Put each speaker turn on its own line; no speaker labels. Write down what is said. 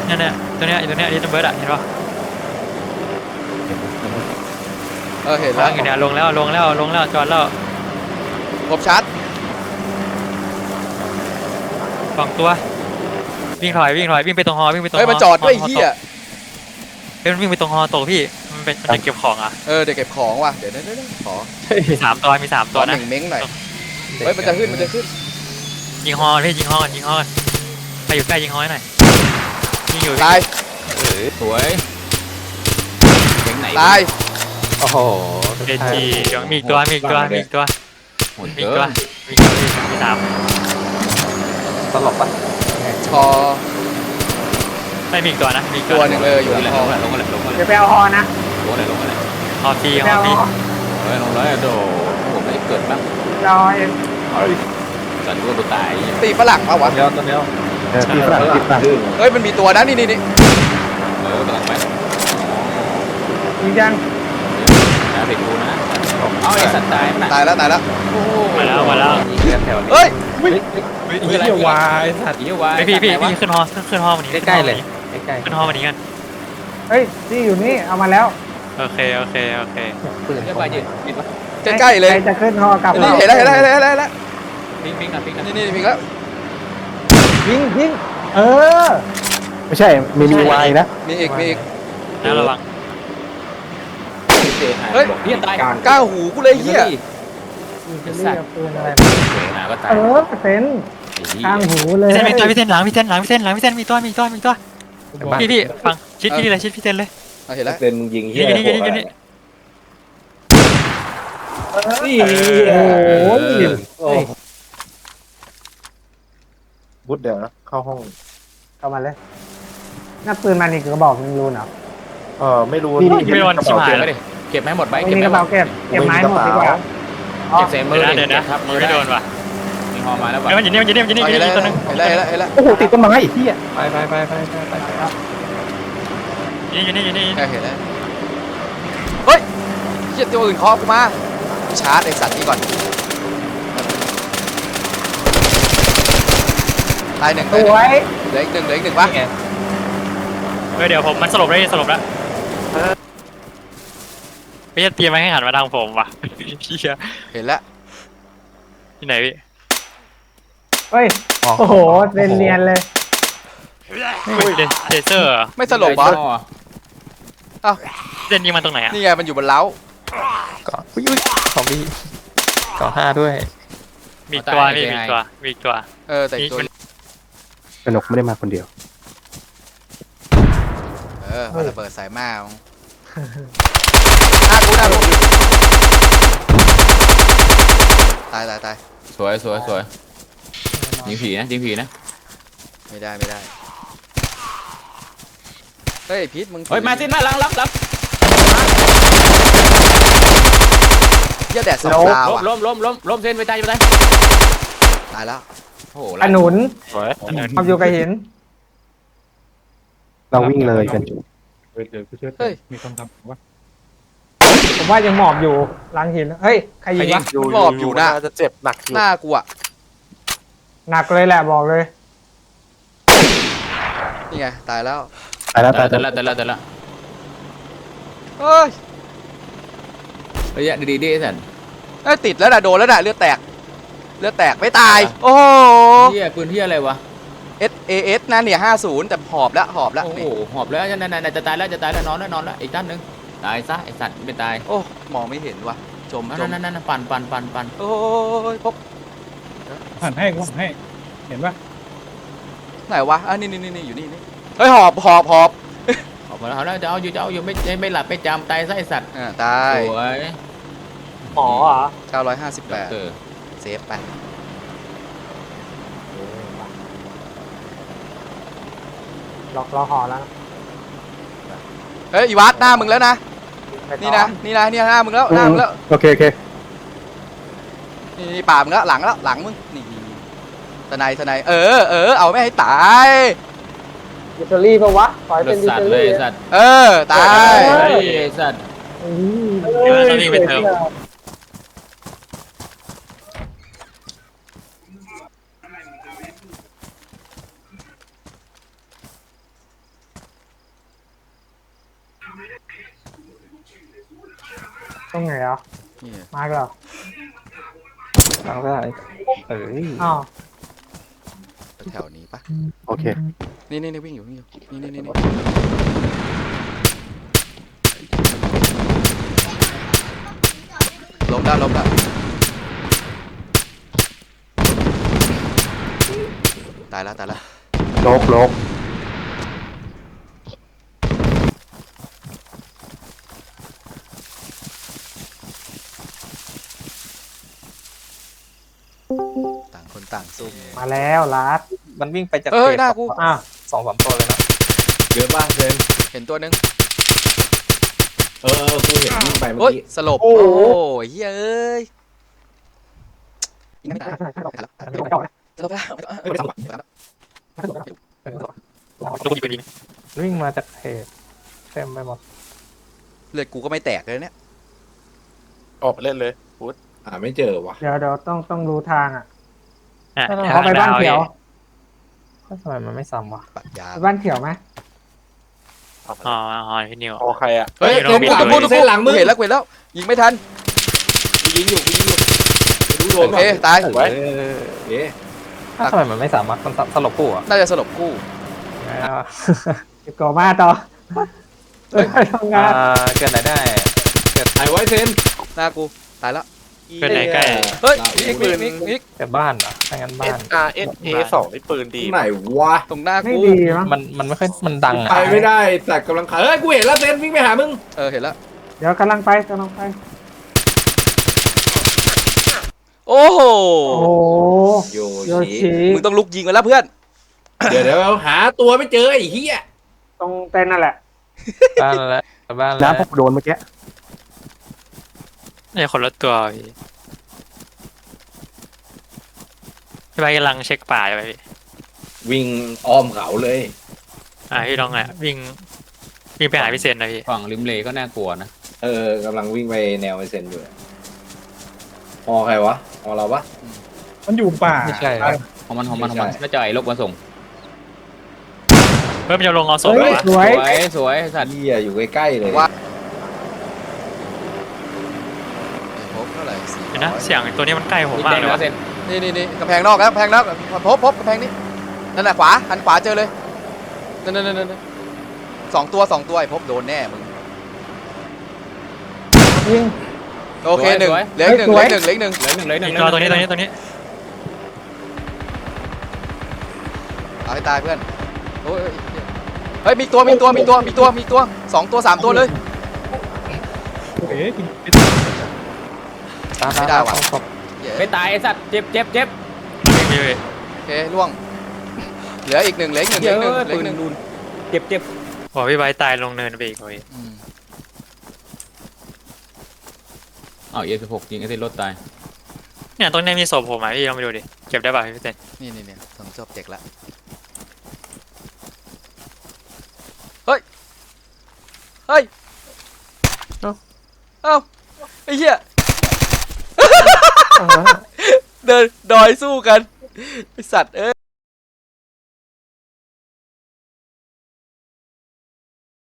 เนี่ยตัวเนี้ยตัวเนี้ยดิจิตอลเบิร์ดอะเห็นปะ
เห็น
วา
แล้ว
งอยู่เนี่ยลงแล้วจอดแล้ว
ครบชัด
2 ตัววิ่งถอยวิ่งไปตรงฮอวิ่งไปตรงฮอ
เฮ้ยมันจอดด้วยเฮีย
มันวิ่งไปตรงฮอตกพี่มันจะเก็บของอ่ะ
เดี๋ยวเก็บของว่ะเดี๋ยวขอ
มี3 ตัวนะ
หนึ่งเม้งหน่อยเฮ้ยมันจะขึ้น
ยิงฮอพี่ยิงฮอกันใครอยู่ใกล้ยิงฮอหน่อยยิงอยู่
ตาย
สวยเจ๋งไหน
ตาย
โอ้โห
เดจีมีอีกตัว
โหด
มี
เกิน
มี3
ตลกปะ
ชอ
ไม่มีอีกตัวนะมีอีก
ตัวหนึ่งเลยอยู่
ลง
ใน
เลย
ห้อง
ลงเลยลงเลย
เดี๋ยวไปเอาฮอนะ
ลงเลยลงเลย
ฮอฟรี
เดี๋ยวไปเอาฮอ
ลงเลยโดผมไม่เกิดบ้าง
รอเอง
สันตัวตัวตาย
ตีฝรั่งมาวะ
เดี๋ยวตัวเดียวตีฝรั่งตีฝรั่ง
เฮ้ยมันมีตัวนะนี่
กำลังไป
ยิงยัง
นะเด็กกูนะเอาไอ้สัตว์ตายนะ
ตายแล้ว
มาแล้ว
แถวนี้
เฮ้ย
เหี้ยวายสัตว์
เยี่ยววาย
พี่ขึ้นฮอวันนี้
ใกล้ๆเลยใกล้
ขึ้นฮอวันนี้กัน
เฮ้ยที่อยู่นี่เอามาแล้ว
โอเค
ๆปืน
เยี่ยววายยืนปิดวะ
ใกล้ๆเลย
ใครจะขึ้นฮอกลับ
นี่เห็นแล้ว
ปิ้งปิ้งนะปิ้งนะ
นี่พิงแล้ว
ยิงเออ
ไม่ใช่มีวายนะ
มีอีก
แล้วระวัง
เฮ้ย
พี่ตาย
ก้าวหูกูเลยเฮีย
จะเรียกปืนอะไร
มาก็ตาย
เต็นข้างหูเลย
พี่เต้นหลังพี่เต้นมีตัวพี่ฟังชิดพี่เลยชิดพี่เต้นเลย
เห็นแล้ว
เป็นมึงยิงเหี้ย
นี่
นี่โอ้โห
โอ้บุดเดี๋ยวนะเข้าห้อง
เข้ามาเลยน่าปืนมันอีกกระบอกนึงรู้เนาะ
ไม่รู้
ไม่โดนชิบหาย
เก็บไหมหมดใบ
ไม่
เก็บ
มี
ไหม
กระเป๋าเก็บไม้หมดดีกว่า
เก็บเศษมือ
เดี๋ยวนะ
ครับมือ
ไม่โดนว่ะ
มีหอมาแล้ว
มันอยู่นี่ตัวนึง
เห็นแล้ว
โอ้โหติดต้นไม้อีกที่อ่ะไป
อยู่นี่
เห็นแล้วเฮ้ยเฮียตัวอื่นเคาะกูมาชาร์จไอสัตว์นี้ก่อนตายหนึ่ง
สวย
เหลืออีกหนึ่งวะ
เดี๋ยวผมมันสลบแล้วไม่จะเตรียมไว้ให้หันมาทางผมว่ะพี่
เห็นแล้ว
ที่ไหนพี่
เฮ้ยโอ้โหเนียนเลย
เทเซอร์
ไม่สลบบอส
เล่นยิงมันตรงไหนอ่ะ
นี่ไงมันอยู่บนเล้า
ก่อนอุ้ยของพี่ก่อ5ด้วย
มีตัวนี่มีตัว
แต่อีกตัว
สนุกไม่ได้มาคนเดียว
มันระเบิดสายมาหน้ากูตาย
สวยยิงผีนะ
ไม่ได้เฮ้ยพีทมึง
เฮ้ยมาสิมาลัง
เหี้ยแดดสองตาว่ะ
ล้มเส้นไปตาย
ตายแล้ว
โอ้โห
ขนุน
สวย
ความอยู่กับหิน
เราวิ่งเลยกัน
เฮ้ย
มีคำถามว่า
ผมว่ายังหมอบอยู่หลังหินเฮ้ยใครยิงวะ
หมอบอยู่นะ
จะเจ็บหนักอยู่
หน้ากูอ่ะ
หนักเลยแหละบอกเลย
นี่ไงตายแล้ว
ตายแล้ว
แต่ละ
เฮ้ย
ระยะดีสัน
ติดแล้วนะโดนแล้วนะเลือดแตกไม่ตายโอ้โห
เฮียปืนเฮียอะไรวะ
SAS นะเนี่ย50แต่หอบแล้ว
โอ้โหหอบแล้วนั่นจะตายแล้วนอนแล้วอีกด้านนึงตายซะไอสัตว์ไม่ตาย
โอ้มองไม่เห็นว่ะจม
นั่นปั่น
โอ้ยพบ
หันให้เห็นปะ
ไหนวะนี่อยู่นี่เฮ้ยหอบ
ออกมาแล้วจะเอาอยู่ไม่หลับไม่จำตายซะไอสัตว์
ตาย
สวย
หมอเหรอ
958เซฟไป
รอหอแล้ว
เฮ้ยอีวัดหน้ามึงแล้วนะนี่นะหน้ามึงแล้ว
โอเค
นี่ป่ามึงแล้วหลังมึงนี่ทนายเอาไม่ให้ตาย
ดิจิตอรี่ปะวะขอให้
เลื
เป็
อน ด
ดิจิ
สัต
ตอ
ว์เลย
รี่
สัตว์
ตาย
สัตว์
วิ่งไปเติม
ตรงไหนอ่ะ
นี่
มาร์กเหรอ
ทางซ้ายเอ้ย
อ้าว
แถวนี้ปะ
โอเค
นี่วิ่งอยู่นี่ล้มได้ตายแล้ว
โลก
ต่างคนต่างซุ่ม
มาแล้วลัด
มันวิ่งไปจาก
เอ้ย
เขต
หน้ากู
อ่ะ
2-3ตัวเลยนะ
เยอะมากเลย
เห็นตัวนึง
กูเห็นวิ่งไปเมื่
โอ้
อย กี้
สลบโอ้ยเฮ้ยยิงไม่ได้สลบแล้ว
ลูกยิงปืนยิง
วิ่งมาจากเขตเต็มไปหมด
เลือดกูก็ไม่แตกเลยเนี่ย
ออกไปเล่นเลยพุทธ
ไม่เจอว่ะ
เดี๋ยวต้องรู้ทางอ่ะ
อ่ะ
เขาไปบ้านเขียว
ก็ทำไมมันไม่ซ้ำวะ
ปัดยา
ไปบ้านเขียวไหม
อ๋อพี่นิว
พอใครอ่ะ
เฮ้ย
เดี๋
เต็
ยว
ม
เรา
กู
ไป
ตะพูหลังมึงเห็นแล้วยิงไม่ทัน
กูยิงอยู่รู้โด
โอน เคตาย
ไว้
เอ๊ะ
ทำไมมันไม่สามารถมันสลบกูอ่ะ
น่าจะสลบกู้
เก็บก่อมาต่อเฮ้ยทำงาน
เกิดอะไรได้
ไอ้ไว้เซน
หน้ากูตายแล้ว
เป็นไหนใกล้
เฮ้ยอีกปืนอีก
แต่บ้านเหรอถ้างั้นบ้าน
SRSA 2นี่ปืนดี
ไหนวะ
ตรงหน้า
ไม่
กู
ดีมั้ง
มันไม่ค่อยมันดัง
ไป
อ่ะ
ไม่ได้แต่กำลังเฮ้ยกูเห็นแล้วเซนวิ่งไปหามึง
เห็นแล้ว
เดี๋ยวกำลังไป
โอ้โห
โอ้โห
โย
โย
ชิ
ชิ
มึงต้องลุกยิงกันแล้วเพื่อน
เดี๋ยวหาตัวไม่เจอไอ้เหี้ย
ตรงเต็นท์นั่นแหละ
บ้านแล้วบ้านแล้ว
น้ำผมโดนเมื่อกี้
นี่คนละตัวพี่ใบกำลังเช็คป่าอยู่พี่
วิ่งอ้อมเขาเลย
พี่ลองวิ่งไปหาพี่เซนนะพี่
ฝั่งริมเลก็น่ากลัวนะกำลังวิ่งไปแนวไอเซนอยู่พอใครวะพอเราปะ
มันอยู่ป่า
ไม่ใช่
ของมันน่าจะไอ้ลบมาส่ง
เฮ้ยมันจะลงเอาศพ
เฮ้ย
วะ
สวย
สวยสัตว์เหี้ยอยู่ใกล้ๆเลย
พบเท่าไหร่
เดี๋ยวนะเสียงตัวนี้มันใกล้ผมมากเลยวะ
นี่กำแพงนอกแล้วกำแพงนอกพบกำแพงนี้นั่นน่ะขวาหันขวาเจอเลยนั่นสองตัวไอ้พบโดนแน่มึง
ยิง
โอเคหนึ่งเหลือหนึ่ง
อีกตัวตัวนี้
เอาให้ตายเพื่อนโอ้ยเฮ้ยมีตัว2 ตัว3 ตัวเลย
เอ๊ะจริง
ไม่ได้ว่ะ
ไม่ตายไอ้สัตว์เจ็บ
วิ่งไปเลย
โอเคล่วงเหลืออีกหนึ่ง
เจ็บ
บอกพี่ใบตายลงเนินไปอีกเลย
อ้าว16ยิงไอ้เซนรถตาย
เนี่ยตรงนี้มีศพผมพี่ลองไปดูดิเก็บได้ป่ะพี่เซน
นี่ถึงจบเจ็กแล้วเฮ้ยเอ้าไอ้เหี้ยเดินดอยสู้กันไอ้สัตว์